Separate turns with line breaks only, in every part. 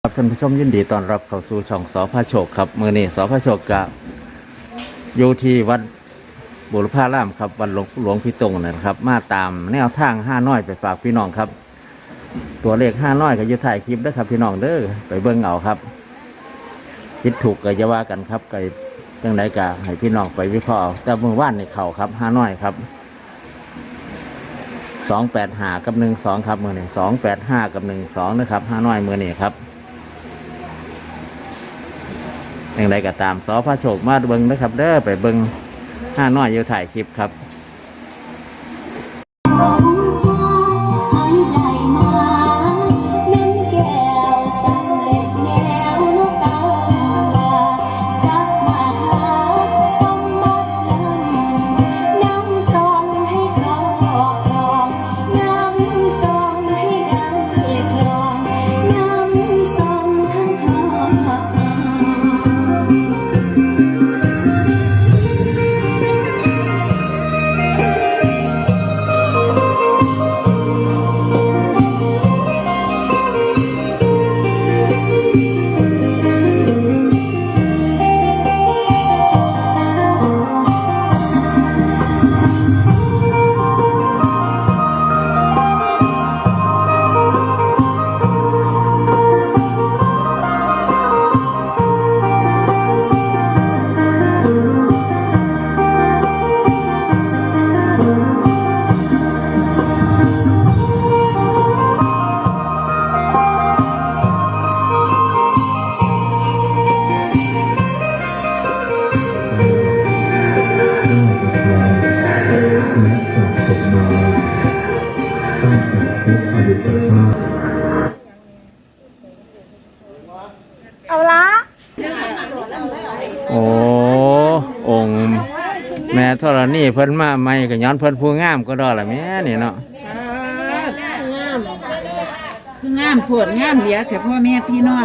ท่านผู้ชมยินดีต้อนรับเข้าสู่ช่องสพโชคครับมื้อนี้สพโชคกะอยู่ที่วัดบุรพารามครับวัดหลวงพี่ตงนะครับมาตามแนวทาง5น้อยไปฝากพี่น้องครับตัวเลข5น้อยก็อยู่ถ่ายคลิปด้วยครับพี่น้องเด้อไปเบิ่งเอาครับคิดถูกก็จะว่ากันครับก็จังไดกะให้พี่น้องไปวิเคราะห์เอาแต่เมื่อวานในเขาครับ5น้อยครับ285กับ12ครับมื้อนี้285กับ12นะครับ5น้อยมื้อนี้ครับอย่างไรก็ตามสพโชคมาเบิ้งนะครับเด้อไปเบิ้ง5น้อยอยู่ถ่ายคลิปครับ
เอาละ
โอ้องค์แม่ธรณีเพิ่นมาใหม่ก็ย้อนเพิ่นผู้งามก็ดอละแม่นี่เนาะ
คืองามปวดงามเหลียแต่พ่อแม่พี่น้อง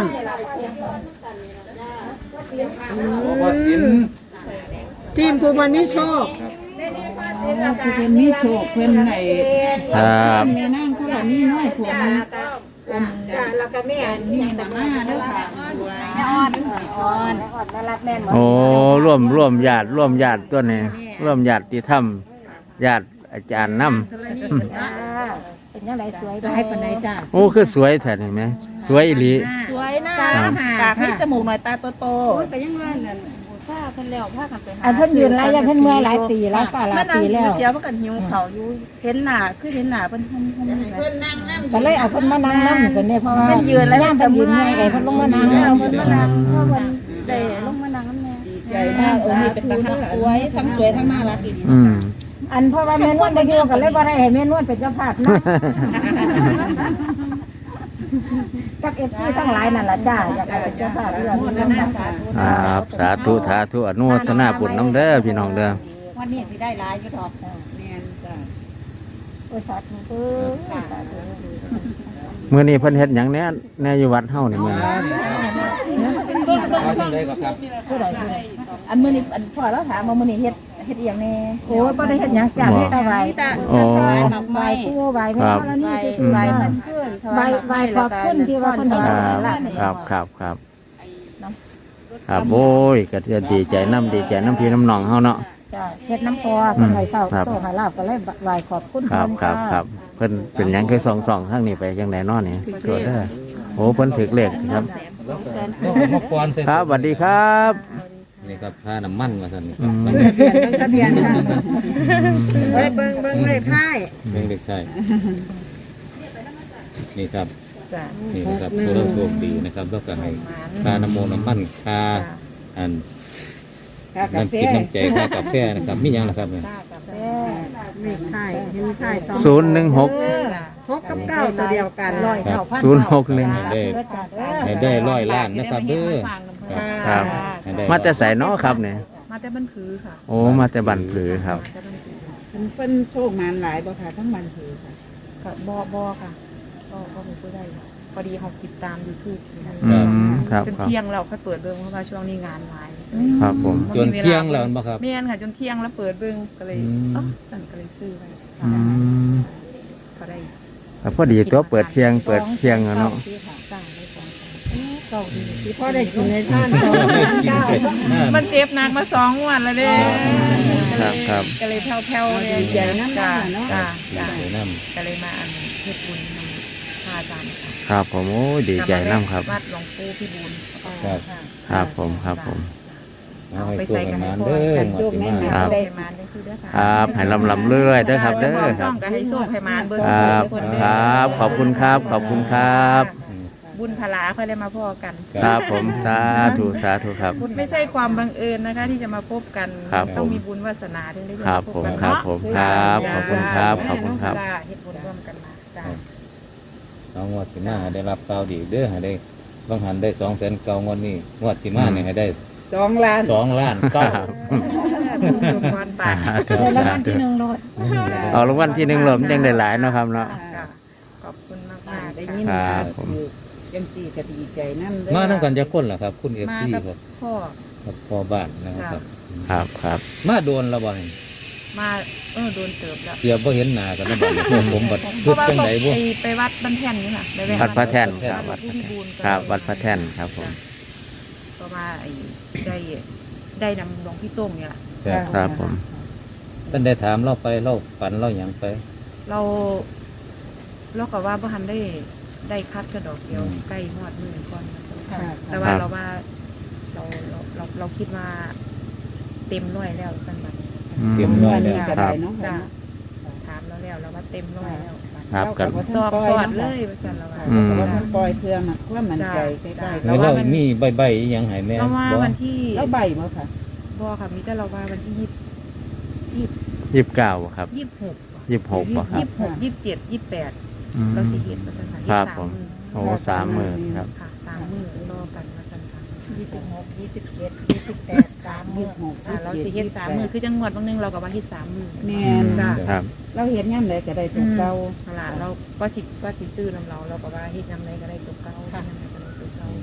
ทีมผู้บรรนิโชคผู้เป็นนิโชคเพิ่นไหน
ครับ
แม่นั่งเขาว่านี่น้อยผมแล้วก็แม่นี่น่ะมาเด้อค่ะแม่อ่อนน่ารักแม่
โอ้ร่วมญาติตัวนี้ร่วมญาติธรรมญาติอาจารย์นำ
เป็นยังไงสวยได้ปานใดจ้า
โอ้คือสวยแท้เห็นไหมสวยอีหลี
สวยนะปากให้จมูกหน่อยตาโตๆไปยังไงนั่นผ้าเพิ่นแล้วผ้ากันไปหาอันเพิ่นยืนหลายอย่างเพิ่นเมื่อยหลายปีแล้วป่าหลายปีแล้วเดี๋ยวเพิ่นก็หิวเขาอยู่เห็นหน้าคือเห็นหน้าเพิ่นเพิ่นนั่งนำก็เลยเอาเพิ่นมานั่งนำซั่นนี่เพราะว่าเพิ่นยืนแล้วเพิ่นยืนเมื่อยไงเพิ่นลงมานั่งเพิ่นมานั่งเพราะเพิ่นได้ลงมานั่งนำแม่ดีใจมากนี่เป็นตาสวยทั้งสวยทั้งน่ารักอีกอันเพราะว่าแม่นวลบ่อยู่ก็เลยบ่ได้ให้แม่นวลเป็นเจ้าภาพนะกับFCทั้งหลายนั่นล่ะจ้าอยากให้เป็นเจ้าภาพเรื่องนี้
ครับสาธุอนุโมทนาบุญน้องเด้อพี่น้องเด้อ
วันนี้สิได้หลายอยู่ดอกแม่นจ้าโอ้สาธุสาธุ
มื้อนี้เพิ่นเฮ็ดหยังแน่อยู่วัดเฮานี่มื้อนี้
อันมื้อนี้อันพ่อเราถามว่ามื้อนี้เฮ็ดอีหยังแน่โอ้บ่ได้เฮ็ดหยังจ้าเฮ็ดแต่ไหว้ไหว้ครูไหว้แม่แล้วนี่สิไหว้เพิ่นเพิ่นไหว้ขอบคุณที่ว่าเพิ่นเฮ็ด
ครับโอ้ยก็จะดีใจน้ำพี่น้ำน้องเฮาเนาะ
จ้าเฮ็ดน้ำพอเพิ่นให้เศร้าโซ่ให้ลาบก็เลยไหว้ขอบคุณ
ครับเพิ่นเป็นหยังคือส่องทางนี้ไปจังได๋เนาะนี่เกิดเด้อโอ้เพิ่นถึกเลขครับครับสวัสดีครับนี่ครับค่าน้ำมันมาสั่น
ทะเบียนค่ะเบิ่งเลขท้าย
นี่ครับนี่ครับตัวเราโชคดีนะครับแล้วก็ให้ค่าน้ำมันค่าน้ำกินน้ำใจค่ากาแฟนะครับมีอย่างละครับเนี่ย
เลขท้ายเห็นท้าย
016
6กับ9ตัวเดียวกัน
061ได้100 ล้านนะครับเด้อครับมาแต่ใส่เนาะครับเนี่ย
มาแต่บันผือค่ะ
โอ้มาแต่บันผือครับ
เป็นโชคงานหลายบ่ค่ะทั้งบันผือค่ะก็บ่ค่ะก็ไม่ค่อยได้พอดีเขาติดตาม YouTube
ครับ
จนเที่ยงเราก็เปิดเบิ่งเพราะว่าช่วงนี้งานหลาย
ครับผมจนเที่ยงแล้วบ่ครับ
แม่นค่ะจนเที่ยงแล้วเปิดเบิ่งก็เลยสั่นก็เลยซื้อไปก็ได้
พอดีตัวเปิดเที่ยงเนาะ
เก่าดีที่พ่อได้กินในท่าน2 9 มันเจ็บหนักมา2 วันแล้วเด้
ครับ
ก็เลยแผ่วๆเลยใจน้ำจ้าจ้า
น้
ก็เลยมาเฮ็ดบุญนำพระอาจารย์ค่ะ
ครับผมโอ้ยดีใจน้ำครับ
วัดหลวงปู่พี่บุญ
ครับผมครับผม
ำเอาให้ตัวกันมาเด้อ
โชคแน่น
ครับ
ได้มาได้คือเด้อค่ะ
ครับให้ลำเรื่อยเด้อครับเด้อค
ช่
รั
อบ งก็ให้โชคให้มาเบอร์
ครับ
คน
ค
เด้อ
รับขอบคุณครับขอบคุณครับ
บุญพลาค่อยได้มาพบกัน
ครับผมสาธุสาธุครับ
ไม่ใช่ความบังเอิญนะคะ ที่จะมาพบกัน
ครับ
ต้องมีบุญวาสนาถึงได้
ครั
มา
บ
พ
ผ
บ
ม
กัน
ครับ
เนาะ
ผมครับขอบคุณครับขอบคุณครับ
จ้าเฮ็ดบุญร่วมกันมาจ้า
เอางวดสิมาให้ได้รับข่าวดีเด้อให้ได้บางหันได้200,000เก่างวดนี้งวดสิมาเนี่ยให้ได้
2 ล้าน
2 ล้านเก้า
สุขพรปาก
สาธุสาธุเอารางวัลที่หนึ่งหลมยังได้หลายเนาะครับเนาะ
จ้าขอบคุณมาก
ได้
ๆ
ยิน
ครับผม
จังสี่ก็ดีใจนั่น
มาทั้งกันจะคนเหรอครับ คุณ
มา
FC
กับ
ครับ
พ่อ
กับพ่อบ้านนะครับ
ครับครับ
มาโดนและบ่นี่
มาโดนเติบแล้ว
เสียบ่เห็นหน้ากันแล้วบัดนี้พวกผมบัด
เพ
พูด
ราะว่า
จังไดบ่
ไปวัดบ้านแท่นนี่ค่ะไปแว
วัดพระแท่น
ค
ค
รั
รั
บบ วั
วั
ด
ด
ผู้พิบูล
ครับวัดพระแท่นครับผม
ก็มาได้นำหลวงพี่โต้งเนี่ยแหละ
ครับ
ครับผม
ท่านได้ถามเราไปเราฝันเราหยังไป
เราก็ว่าบ่ทันได้คัดกระดอกเดียวใกล้ฮอดมือก่อนแต่ว่าเราว่าเราคิดว่าเต็มร้อยแล้วสันบัด
เตรียมร้อยแล้ว
ก็ได้เนาะ
จ้ะถามเราแล้วว่าเต็มร้อยแล้ว
ครับกัน
สอบสอดเลยว่าซั่นเราว่า
อืม
ว่าท่านปล่อยเพื่อมาว่ามันใจใกล้ๆ
แล้วเรามีใบๆอีหยังให้แม่
เราว่า
บ่
วันที่
แล้วใบมั้งค่ะ
บ่ค่ะมีแต่เราว่าวันที่
29ครับ
26
26ป่ะครับ
26 27 28
อืม
เราสิเห็นว่าซั่นค่ะ
ครับ
อีก
ผม
3
โอ้30,000ครับ
ค่ะ3มื้อรอกันว่าซั่นค่ะ
26 27 28 36
เราสิเฮ็ด3 มื้อคือจังหวัดบางนึงเราก็ว่าเฮ็ด3 มื้อ
แม่น
จ้ะ
ครับ
เราเห็นย่ำใดก็ได้ตัวเก่า
นั่นล่ะเราก็สิซื้อนำเราก็ว่าเฮ็ดนำใดก็ได้ตัวเก่าเฮ็ดนำใดก็ได้ตัวเก่า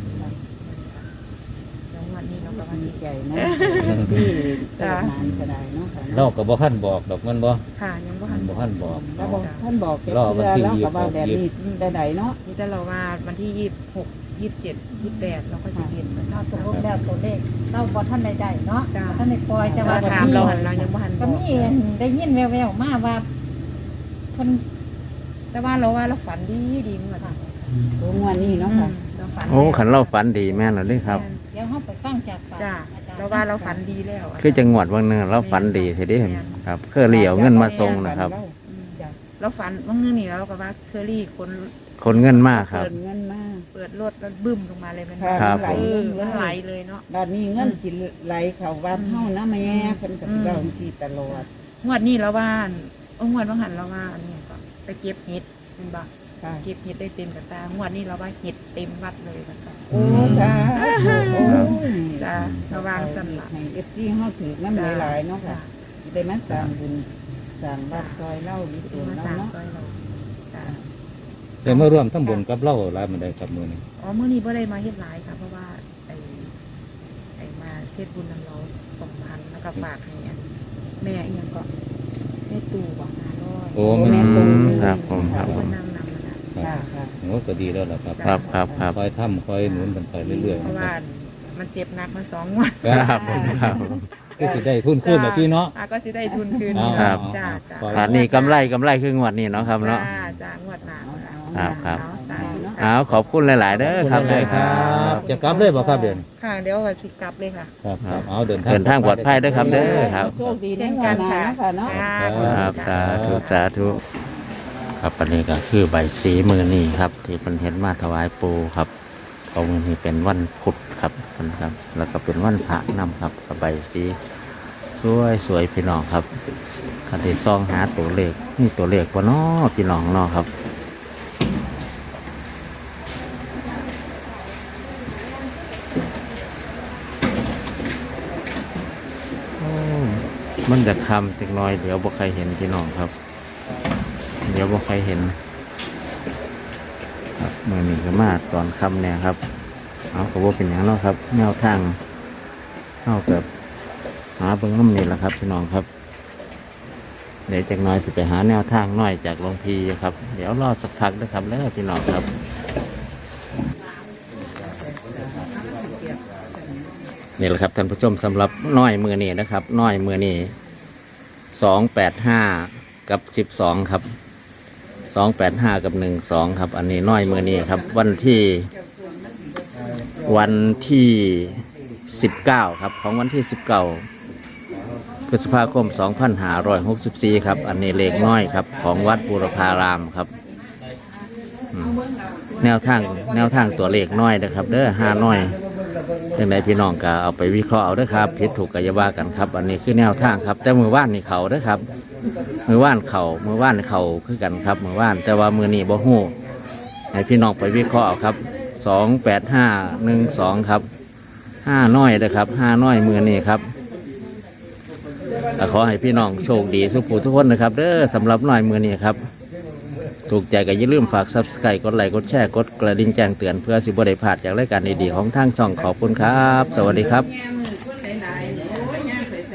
แล้ววันนี้เราก็ว่า
ดี
สิ
ใจเนาะที่สถานก็ได้เนาะค่ะ
เราก็บ่ทันบอกดอกมันบ่
ค่ะยังบ่ทัน
บ่ทันบอก
แล้วบอกท่านบอกแกเพื่อแล้วก็ว่าแบบนี้ได้เนาะ
นี่แต่เราว่าวันที่26 27 28เราก็สิเห็นว่า
เราตกลงแล้วตัวเลขเราบอท่านใดๆเนาะบ่ท่านในปล่อยแต่
แต่
ว่า
ว่าถามเราหันเรายังบ่ทันบ
ก็
อก
มีได้ยินแววๆมาว่าคน
แต่ว่าเราฝันดีเหมือนกัน
ตัวงวนนี้เนาะค่ะ
เราฝัน
โอ้ขันเราฝันดีแม่นเหรอเลยครับ
เดี๋ยวเฮาไปฟังจากปาก
จ้า
อาจารย์
เราว่าเราฝันดีแล้ว
คือจังหวัดบางเนือเราฝันดีทีเดียวครับเคยเหลียวเงินมาส่งนะครับ
เราฝันว่าเงินนี่เราก็ว่าเคอรี่คน
คนเงินมากครับ
เปิดเงินมา
เปิดรถแล้วบึ้มลงมาเลยเป็น
ครับ
ไหล
มันไหลเลยเนาะ
ด้านนี้เงินสิไหลเข้าวัดเฮานะแม่เพิ่นก็สิเว้าจังซี่ตลอด
งวดนี้เราว่างวดบางหันเราว่าอันนี้ก็ไปเก็บเห็ดเป็นบ่
ค่ะ
เก็บเห็ดได้เต็มกระตางวดนี้เราว่าเห็ดเต็มวัดเลยนะคะ
โอ้จ้าโอ้ย
จ้าระวังสั่นละ
ให้ FC เฮาถือน้ำหลายๆเนาะค่ะสิได้มาสร้างบุญสร้างวัดซอยเล่าดีตัว
มา
เนาะ
สร้าง
เนาะ
ซอยเราจ้า
แต่มาร่วมทำบุญกับเราหลายมื้อใดครับมื้อนี้
อ๋อมื้อนี้บ่ได้มาเฮ็ดหลายค่ะเพราะว่าไอ้มาเฮ็ดบุญนำเรา2,000แล้วก็ฝากให้อันแม่อีหยังก็แม่ตู่บอก500
โอ้
โอ้
แม่
แม่
น
ตรง
ครับผมครับ
คนนำนะ
ค่ะค่ะ
โอ้ก็ดีแล้วล่ะครับ
ครับครับครับ
คอยทำคอยหนุนกันไปเรื่อยๆ
เพ
นะ
ราะ
ค
ว่า
รับ
มันเจ็บหนักมา2 วัน
ครับผมครับ
คือสิได้ทุนขึ้นแบบพี่เนาะ
ก็สิได้ทุนคืน
ครับ
จ้า
อันนี้กำไรคืองวดนี้เนาะครับเนาะ
จ้างวดหน้า
ครับ
สาธุ
เอาขอบคุณหลาย ๆ เด้อครับ
ได้ครับ จะกลับเลยบ่ครับเดือน
ค่ะเดี๋ยวว่าสิกลับเลยค่ะ
ครับครับเอาเดิน
เดินทางปลอดภัยเด้อครับเด้อครับ
โชคดีในวันหน้าเนาะค่ะเนาะ
ครับสาธุสาธุครับอันนี้ก็คือใบสีมือนี่ครับ ที่เป็นเห็นมาถวายปูครับเอามือนี้เป็นวันพุธครับนะครับ แล้วก็เป็นวันพระนำครับกับใบสีสวยพี่น้องครับคันที่ซองหาตัวเลขนี่ตัวเลขว่าน้อพี่น้องเนาะครับโอ้มันจะคำจักหน้อยเดี๋ยวบ่ใครเห็นพี่น้องครับ เดี๋ยวบ่ใครเห็นครับมือหนึ่งก็มาตอนคำเนี่ยครับเอาก็บ่เป็นอย่างเนาะครับแนวทางเอากับหาเบิ่งน้ำนี่แหละครับพี่น้องครับเดี๋ยวจากหน้อยจะไปหาแนวทางน้อยจากหลวงพี่ครับเดี๋ยวรอสักพักนะครับแล้วพี่น้องครับนี่แหละครับท่านผู้ชมสำหรับน้อยมือนี้นะครับ น้อยมือนี้285กับ12ครับ285กับ12ครับ อันนี้น้อยมือนี้ครับ วันที่19ครับของวันที่19พฤษภาคม2564ครับ อันนี้เลขน้อยครับของวัดบูรพารามครับแนวทางตัวเลขน้อยนะครับเด้อ5น้อยจังใดพี่น้องก็เอาไปวิเคราะห์เอาเด้อครับผิดถูกก็อย่าว่ากันครับ อันนี้คือแนวทางครับแต่มือว่านนี่เขาเด้อครับมือว่านเขาคือกันครับมือว่านแต่ว่ามือนี่บ่ฮู้ให้พี่น้องไปวิเคราะห์เอาครับ28512ครับ5น้อยนะครับ5น้อยมือนี่ครับขอให้พี่น้องโชคดีทุกผู้ทุกคนนะครับเด้อสำหรับน้อยมือนี่ครับถูกใจก็อย่าลืมฝาก Subscribe กดไลค์กดแชร์กดกระดิ่งแจ้งเตือนเพื่อสิบ่ได้พลาดจากรายการดีๆของทางช่องขอบคุณครับสวัสดีครับ